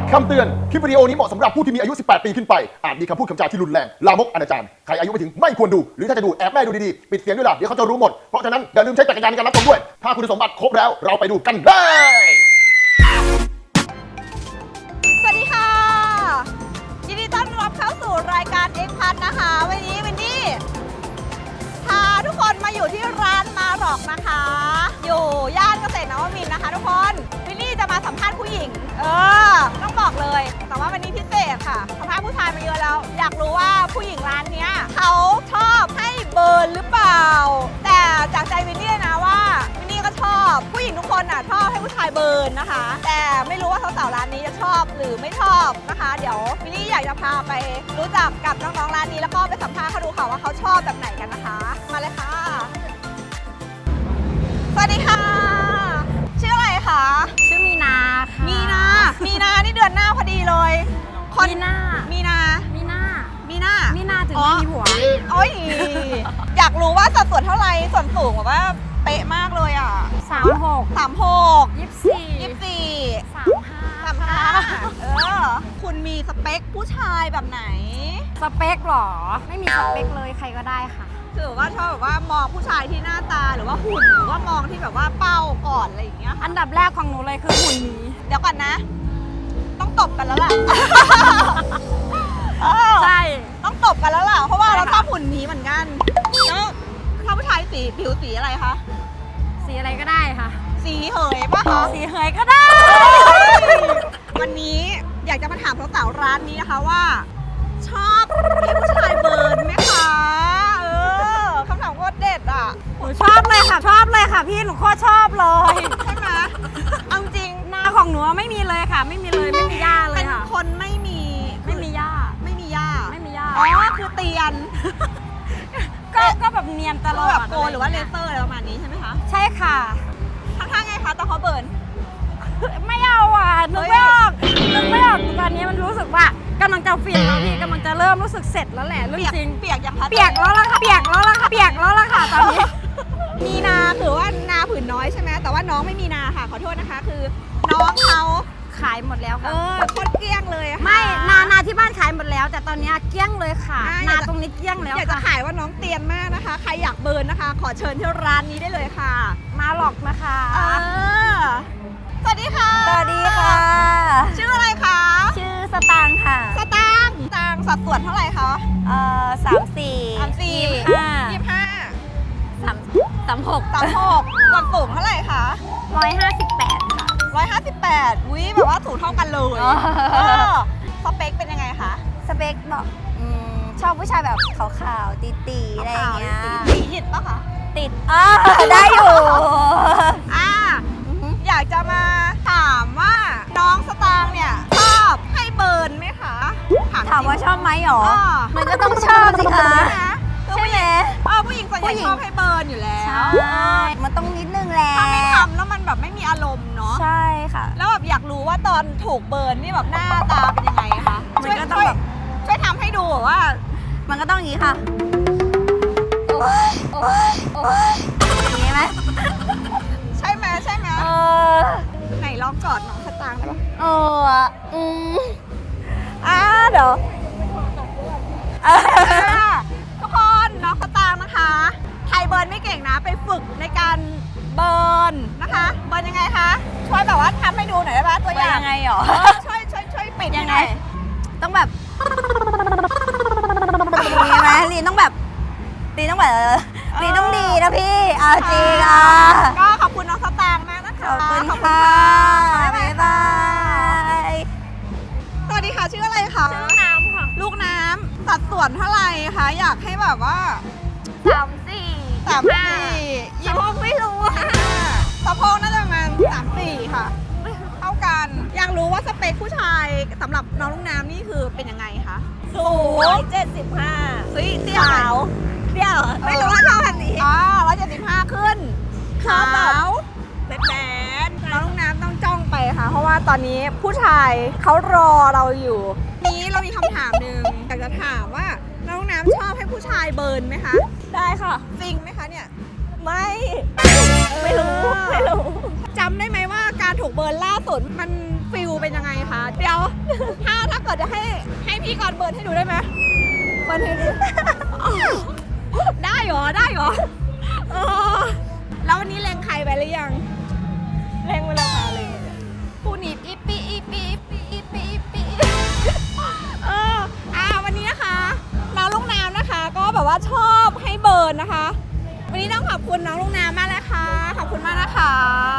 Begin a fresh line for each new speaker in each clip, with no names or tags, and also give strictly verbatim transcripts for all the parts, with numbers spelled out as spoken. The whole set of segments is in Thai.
คำเตือน คลิปวิดีโอนี้เหมาะสำหรับผู้ที่มีอายุ สิบแปด ปีขึ้นไป อาจมีคำพูดคำจาที่รุนแรง ลามก อนาจาร ใครอายุไม่ถึงไม่ควรดู หรือถ้าจะดูแอบแม่ดูดีๆ ปิดเสียงด้วยล่ะ เดี๋ยวเขาจะรู้หมด เพราะฉะนั้นอย่าลืมใช้จักรยานในการรับชมด้วย ถ้าคุณสมบัติครบแล้ว เราไปดูกันเลย
สวัสดีค่ะ ยินดีต้อนรับเข้าสู่รายการเอ็กพันนะคะ วันนี้วันนี้พาทุกคนมาอยู่ที่ร้านมาร็อกนะคะ อยู่ย่านเกษตรนวมินทร์นะคะทุกคนวินนี่จะมาสัมภาษณ์ผู้หญิง เออต้องบอกเลย แต่ว่าวันนี้พิเศษค่ะสัมภาษณ์ผู้ชายมาเยอะแล้ว อยากรู้ว่าผู้หญิงร้านเนี้ยเขาชอบให้เบิร์นหรือเปล่า แต่จากใจวินนี่นะว่าวินนี่ก็ชอบผู้หญิงทุกคนอ่ะชอบให้ผู้ชายเบิร์นนะคะ แต่ไม่รู้ว่าสาวๆร้านนี้จะชอบหรือไม่ชอบนะคะ เดี๋ยววินนี่อยากจะพาไปรู้จักกับน้องๆร้านนี้แล้วก็ไปสัมภาษณ์เขาดูค่ะว่าเขาชอบแบบไหนกันนะคะ มาเลยค่ะสวัสดีค่ะชื่ออะไรคะ
ชื่อมีนาค่ะ
มีนา มีนานี่เดือนหน้าพอดีเลยคน
มีนา
มีนา
มีนา
มีนา
มีนาถึง
อ๋อ
ไม่มีผัว
โอ้ย อยากรู้ว่าสัดส่วนเท่าไหร่ส่วนสูงแบบว่าเป๊ะมากเลยอ่ะ
สามหก
สามหก
ยี่สิบสี่
ยี่สิบสี่
สามห้า
สามห้าเออ คุณมีสเปคผู้ชายแบบไหน
สเปคเหรอ ไม่มีสเปคเลยใครก็ได้ค่ะ
คือว่าชอบแบบว่ามองผู้ชายที่หน้าตาหรือว่าหุ่นหรือว่ามองที่แบบว่าเป้าก่อนอะไรอย่างเงี้ย
อันดับแรกของหนูเลยคือหุ่นนี้
เดี๋ยวก่อนนะ ต้องตบกันแล้วล่ะ เออ
ใช่
ต้องตบกันแล้วล่ะ เพราะว่า
ใช่
เรา
ค่ะ
ชอบหุ่นนี้เหมือนกันแล้วถ้าผู้ชายสีผิวสีอะไรคะ
สีอะไรก็ได้ค่ะ
สีเหยปะคะ
สีเหยก็ได้
วันนี้อยากจะมาถามสาวๆร้านนี้นะคะว่า ชอบให้ผู้ชายเบิร์นไหมคะ เออคำถามโคตรเด็ดอ่ะ
หนูชอบเลยค่ะ ชอบเลยค่ะพี่ หนูโคตรชอบเลย
ใช่ไหมเอาจริง
หน้าของหนูไม่มีเลยค่ะ ไม่มีเลย ไม่มีหญ้าเล
เป็
ย
น
ค่ะ
คนไม่มี
ไม่มีหญ้า
ไม่มีหญ้า
ไม่มีหญ้า
อ๋อคือเตียน
ก็ก็แบบเนียนตลอด
แบบโกนหรือว่าเล
ะไย่ง
เซ
งี้ย
อร์อะไรประมาณนี้ใช่ไหมคะ
ใช่ค่ะ
ทำท่าไงคะตอนเขาเบิร์น
ไม่เอาอ่ะนึกไม่ออกนึกไม่ออกตอนนี้มันรู้สึกว่ากำลังจะฟินแล้วพี่กำลังจะเริ่มรู้สึกเสร็จแล้วแหละเรื่อง
เปียก
จริง
เปียกอย่างคะ
เปียกแล้วล่ะค่ะเปียกแล้วล่ะค่ะเปียกแล้วล่ะค่ะตอนนี้
มีนาคือว่านาผืนน้อยใช่ไหมแต่ว่าน้องไม่มีนาค่ะขอโทษนะคะ คือน้องเขา
ขายหมดแล้ว
เอ
ค่ะ
อโคตรเกลี้ยงเลยค่ะ
ไม่นานาที่บ้านขายหมดแล้ว แต่ตอนนี้เกลี้ยงเลยค่ะ
อ่า
นาตรงนี้เกลี้ยงแล้ว
อยากจะ
ค่ะ
ขายว่าน้องเตียนมากนะคะ ใครอยากเบิร์นนะคะ ขอเชิญที่ร้านนี้ได้เลยค่ะ
มาหลอกนะคะ
เออสวัสดีค่ะ
สวัสดีค่ะ
ชื่ออะไรคะ
ชื่อสตางค์ค่ะ
สตางค์สตางค์สัดส่วนเท่าไหร่คะ
เอ่อสามสี่
สามสี่
ยี่สิบห้า
ยี่สิบห้า
สามสามหก
สามหกส่วนสูงเท่าไหร่คะ
ร้อยห้าสิบแปดค่ะ
ร้อยห้าสิบแปดวิแบบว่าสูงเท่ากันเลย
อ๋อ
เออสเปคเป็นยังไงคะ
สเปคบอกอืมชอบผู้ชายแบบขาวๆตีๆอะไรอย่างเงี้ย
สีหยิดปะคะ
ติดอ่าได้อยู่
อ่าอยากจะมาถามว่าน้องสตางค์เนี่ยชอบให้เบิร์นไหมคะ
ถามว่าชอบไหมหรอ
อ๋อ
มันก็ต้องชอบสิคะ
ใช่ไหม
ใช่ไหม
เออผู้หญิงส่วนใหญ่
ผู้หญิง
ชอบให้เบิร์นอยู่แล้ว
ใช่มันต้องนิดนึงแหละ
ถ้าไม่ทำแล้วมันแบบไม่มีอารมณ์เนาะ
ใช่ค่ะ
แล้วแบบอยากรู้ว่าตอนถูกเบิร์นนี่แบบหน้าตาเป็นยังไงคะ
มันก็ต้องแบบ
ช่วยทำให้ดูว่า
มันก็ต้องอย่างนี้ค่ะโอ๊ยโอ๊ยโอ๊ยอย่างนี้ไหม
ใช่ไหมใช่ไหม
เออ
ไหนลองกอดน้องสตางค์ได้ปะ
เอออืมอ่าเดี๋ยว
อ่าทุกคนน้องสตางค์นะคะใครเบิร์นไม่เก่งนะไปฝึกในการเบิร์นนะคะเบิร์นยังไงคะช่วยแบบว่าทำให้ดูหน่อยได้ปะตัวอย่าง
ยังไงหรอ
เออช่วยช่วยช่วยปิด
ยัง
ห
ไง
น่อย
ต้องแบบอย่างนี้ไหมลีนต้องแบบลีนต้องแบบลีนต้องดีนะพี่เอาจริงอ่ะ
ก็ขอบคุณน้องสตางค์มากนะคะ
ขอบคุณ
ขอบ
ค่ะ
บ๊าย
บ๊าย
บา
บาย ย
สวัสดีค่ะชื่ออะไรคะ
ชื่อน้ำค่ะ
ลูกน้ำสัดส่วนเท่าไหร่คะอยากให้แบบว่า
สามสี่
สามสี่
ยี่ห้อไม่รู้อะ
สะโพกน่าจะประมาณสามสี่ค่ะเท่ากันอยากรู้ว่าสเปคผู้ชายสำหรับน้องลูกน้ำนี่คือเป็นยังไงคะสูง
เจ็ดสิบห้า
เฮ้ยเตี้ยไหม
เปรี้ยว
ไม่รู้ว่าชอบแบบนี้อ๋อร้อยเจ็ดสิบห้าขึ้น
ชอบแบบ
แบดแบดน้องลูกน้ำต้องจ้องไปค่ะ เพราะว่าตอนนี้ผู้ชายเขารอเราอยู่ นี้เรามีคำถามหนึ่งอยากจะถามว่าน้องลูกน้ำชอบให้ผู้ชายเบิร์นไหมคะ
ได้ค่ะ
จริงไหมคะเนี่ย
ไม่ ไม่รู้ ไม่รู้
จำได้ไหมว่าการถูกเบิร์นล่าสุดมันฟิลเป็นยังไงคะเดี๋ยวถ้าถ้าเกิดจะให้ให้พี่กรณ์เบิร์นให้ดูได้ไหมเบิร์นให้ดู ได้เหรอได้เหรอเออแล้ววันนี้เล็งใครไปหรือยังเล็งไปแล้วค่ะเล็งผู้หนีบอีปีอีปีอีปีอีปีอีปีเอออ่าวันนี้นะคะน้องลูกน้ำนะคะ ก็แบบว่าชอบให้เบิร์นนะคะ วันนี้ต้องขอบคุณน้องลูกน้ำมากเลยค่ะขอบคุณมากนะคะ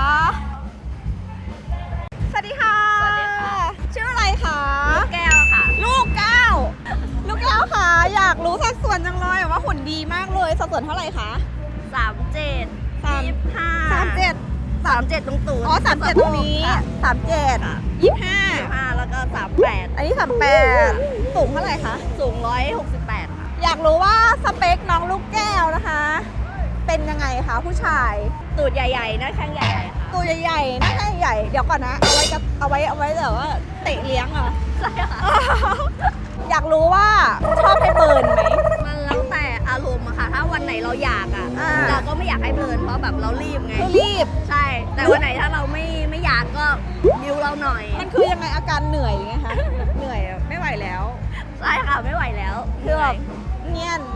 สวัสดีค่ะสวัสดีค่ะชื่ออะไรคะลูกแก้วค่ะลูกแก้วลูกแก้วค่ะอยากรู้สัดส่วนจังเลยว่าหุ่นดีมากเลยสัดส่วนเท่าไหร่คะ
สามเจ็ด
สาม
ยี่สิบห้า
สามเจ็ด
สามเจ็ดตรงตูด
อ๋อสามเจ็ดตรงนี้
ค่ะ
สามเจ็ดยี่สิบห้า
ยี่สิบห้าแล้วก็สามแปด
อันนี้สามแปดสูงเท่าไหร่คะ
สูงร้อยหกสิบแปดค่ะ
อยากรู้ว่าสเปคน้องลูกแก้วนะคะ เป็นยังไงคะผู้ชาย
ตูดใหญ่ๆหน้าแข้งใหญ่ๆค่ะ
ตัวใหญ่ๆหน้าแข้งใหญ่เดี๋ยวก่อนนะเอาไว้กับเอาไว้เอาไว้แบบว่าเตะเลี้ยงเหรอ
ใช่ค่ะ
อยากรู้ว่าชอบให้เบิร์นไหม
มันแล้วแต่อารมณ์อะค่ะ ถ้าวันไหนเราอยากอะ
อ่า
เราก็ไม่อยากให้เบิร์นเพราะแบบเรารีบไง
คือรีบ
ใช่ แต่วันไหนถ้าเราไม่ไม่อยากก็ดิวเราหน่อย
มันคือยังไงอาการเหนื่อยหรือไงคะเหนื่อยอะไม่ไหวแล้ว
ใช่ค่ะไม่ไหวแล้ว
คือแบบเงียน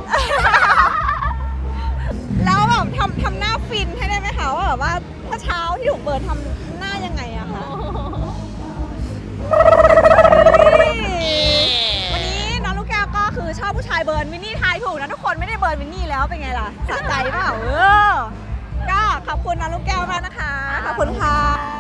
แล้วแบบทำทำหน้าฟินให้ได้ไหมคะว่าแบบว่าเมื่อเช้าที่ถูกเบิร์นทำหน้ายังไงอะคะวันนี้น้องลูกแก้วก็คือชอบผู้ชายเบิร์นวินนี่ทายถูกนะทุกคนไม่ได้เบิร์นวินนี่แล้วเป็นไงล่ะสะใจเปล่าเออก็ขอบคุณน้องลูกแก้วมากนะคะขอบคุณค่ะ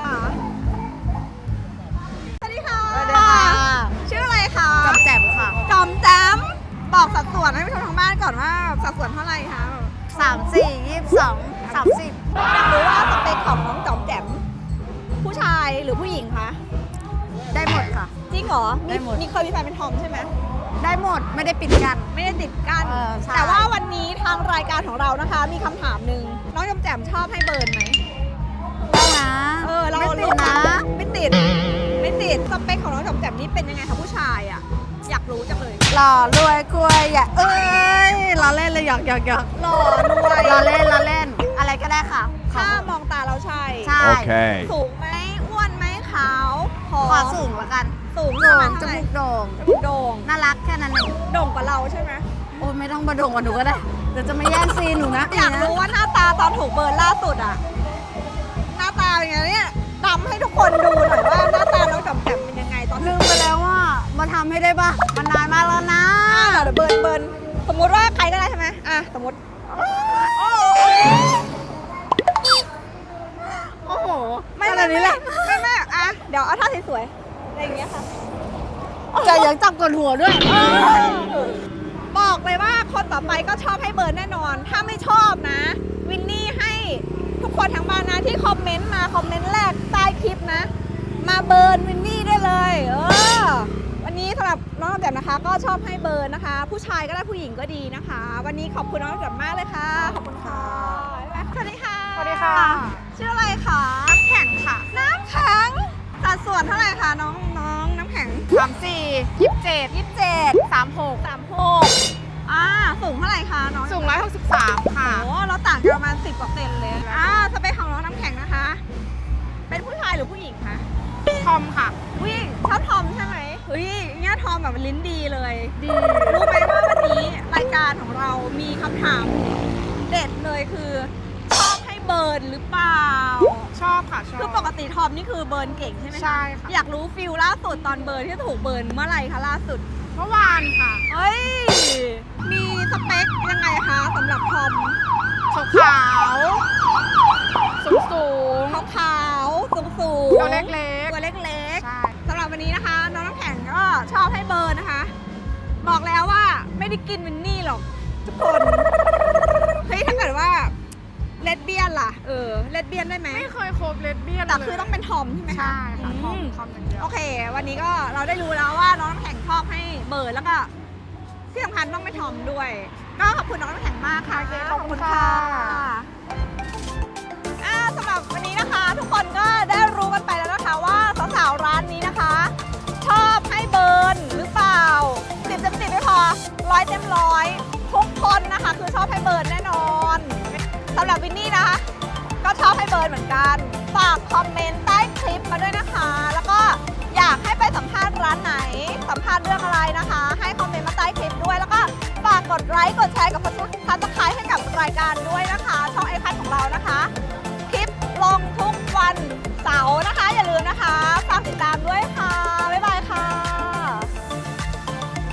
สวัสดีค่ะ
สวัสดีค่ะ
ชื่ออะไรคะ
จำแจ่มค่ะ
จอมแจมบอกสัดส่วนให้ผู้ชมทางบ้านก่อนว่าสัดส่วนเท่าไหร่คะ
สามสี่ยี่สิบสองสามสิบ
อยากรู้ว่าสเปคของน้องจอมแจมผู้ชายหรือผู้หญิงคะ
ได้หมดค่ะ
จริงเหรอ
ได้หมด
มีเคยมีแฟนเป็นทอมใช่ไหม
ได้หมดไม่ได้ปิดกัน
ไม่ได้ติดกัน
เออใช่
แต่ว่าวันนี้ทางรายการของเรานะคะ มีคำถามหนึ่งน้องจอมแจมชอบให้เบิร์นไหม
ได้นะ
เออเรา
ไม่ติด
รู้กั
นะ
ไม่ติดไม่ติดสเปคของน้องจอมแจมนี่เป็นยังไงคะผู้ชายอ่ะอยากรู้จังเลย
หล่อรวยกล้วยอย่าเอ้ยล้อเล่นเลยหยอกหยอกหยอก
หล่อรวย
ล้อเล่นล้อเล่น อะไรก็ได้ค่ะ
ถ้ามองตาเราใช่
ใช่
Okay.
สูงไหมอ้วนไหมขาวผอม
ขอสูงละกัน
สูง
โด่
ประมาณ
งจ
เท่าไหร่
มูกโด่ง
จมูกโด่ง
น่ารักแค่นั้นเอง
โด่งกว่าเราใช่ไหม
โอ้ยไม่ต้องมาโด่งกว่าหนูก็ได้เดี๋ยวจะมาแย่งซีนหนูนะ
อยากรู้ว่าหน้าตาตอนถูกเบิร์นล่าสุดอะหน้าตาเป็นไงเนี่ยดำให้ทุกคนดูหน่อยว่าหน้าตาน้องจอมแจมเป็นยังไงตอน
ลืมไปแล้วว่ามาทำให้ได้ปะมันนานมากแล้วนะ
อ่าเดี๋ยวเบิร์นเบิร์นสมมุติว่าใครก็ได้ใช่ไหมอ่ะสมมติ
โอ้โห
ไม่
ข
ไม่
นาดนี้แหละ
ไม่ไม่อ่ะเดี๋ยวเอาท่าสวยๆอะไรอย่างเงี้ยค่ะ
จะยังจับกดหัวด้วย
บอกเลยว่าคนต่อไปก็ชอบให้เบิร์นแน่นอน ถ้าไม่ชอบนะ วินนี่ให้ทุกคนทั้งบ้านนะที่คอมเมนต์มาคอมเมนต์แรกใต้คลิปนะ มาเบิร์นวินนี่ได้เลย เออ วันนี้สำหรับน้องจอมแจมนะคะ ก็ชอบให้เบิร์นนะคะ ผู้ชายก็ได้ผู้หญิงก็ดีนะคะ วันนี้ขอบคุณน้องจอมแจมมากเลยค่ะขอบคุณค่ะสวัสดีค่ะ
สวัสดีค่ะ
ชื่ออะไรคะน้ำแข็งค่ะ น้ำแข็งสัดส่วนเท่าไหร่คะน้องน้องน้ำแข็ง
สามสี่ยี่สิบเจ็ด
ยี่สิบเจ็ด
สามหก
สามหกอ่าสูงเท่าไหร่คะน้อง
สูงร้อยหกสิบสามค่ะ
โอ้เราต่างกันประมาณสิบกว่าเซนเลยอ่าสเปคของน้องน้ำแข็งนะคะ เป็นผู้ชายหรือผู้หญิงคะ
ทอมค่ะ
ผู้หญิงชอบทอมใช่ไหมเฮ้ยเนี่ยทอมแบบลิ้นดีเลย ดี รู้ไหมว่าวันนี้รายการของเรามีคำถามเด็ดเลยคือ ชอบให้เบิร์นหรือเปล่า
ชอบค่ะชอบ
คือปกติทอมนี่คือเบิร์นเก่งใช่ไหมคะ
ใช่ค่ะ
อยากรู้ฟิลล่าสุดตอนเบิร์นที่ถูกเบิร์นเมื่อไหร่คะล่าสุด
เมื่อวานค่ะ
เฮ้ย มีสเปคยังไงคะสำหรับทอม
ขาวขาวสูงสูง
ขาวขาวสูงสูง
ตัวเล็กๆ
ตัวเล็ก
ใช่
ๆสำหรับวันนี้นะคะ น้องน้ำแข็งก็ชอบให้เบิร์นนะคะ บอกแล้วว่าไม่ได้กินวินนี่หรอกทุกคน เฮ้ยถ้าเกิดว่าเลสเบี้ยนล่ะ เออเลสเบี้ยนได้ไหม
ไม่เคยคบเลสเบี้ยน
แต่คือต้องเป็นทอมใช่ไหมคะ
ใช่ค่ะทอม
ม
ทอมอย่างเดียว
โอเค วันนี้ก็เราได้รู้แล้วว่าน้องน้ำแข็งชอบให้เบิร์นแล้วก็ที่สำคัญต้องไม่ทอมด้วย ก็ขอบคุณน้องน้ำแข็งมากค่ะ
โอเคขอบคุณค่ะ
อ่าสำหรับวันนี้นะคะ ทุกคนก็ได้รู้กันไปแล้วนะคะว่าสาวๆร้านนี้นะคะ ชอบให้เบิร์นหรือเปล่าสิบเต็มสิบไม่พอร้อยเต็มร้อยทุกคนนะคะ คือชอบให้เบิร์นแน่นอนสำหรับวินนี่นะคะ ก็ชอบให้ให้เบิร์นเหมือนกันฝากคอมเมนต์ใต้คลิปมาด้วยนะคะ แล้วก็อยากให้ไปสัมภาษณ์ร้านไหนสัมภาษณ์เรื่องอะไรนะคะ ให้คอมเมนต์มาใต้คลิปด้วยแล้วก็ฝากกดไลค์กดแชร์กับซับสไครบ์ให้กับรายการด้วยนะคะช่อง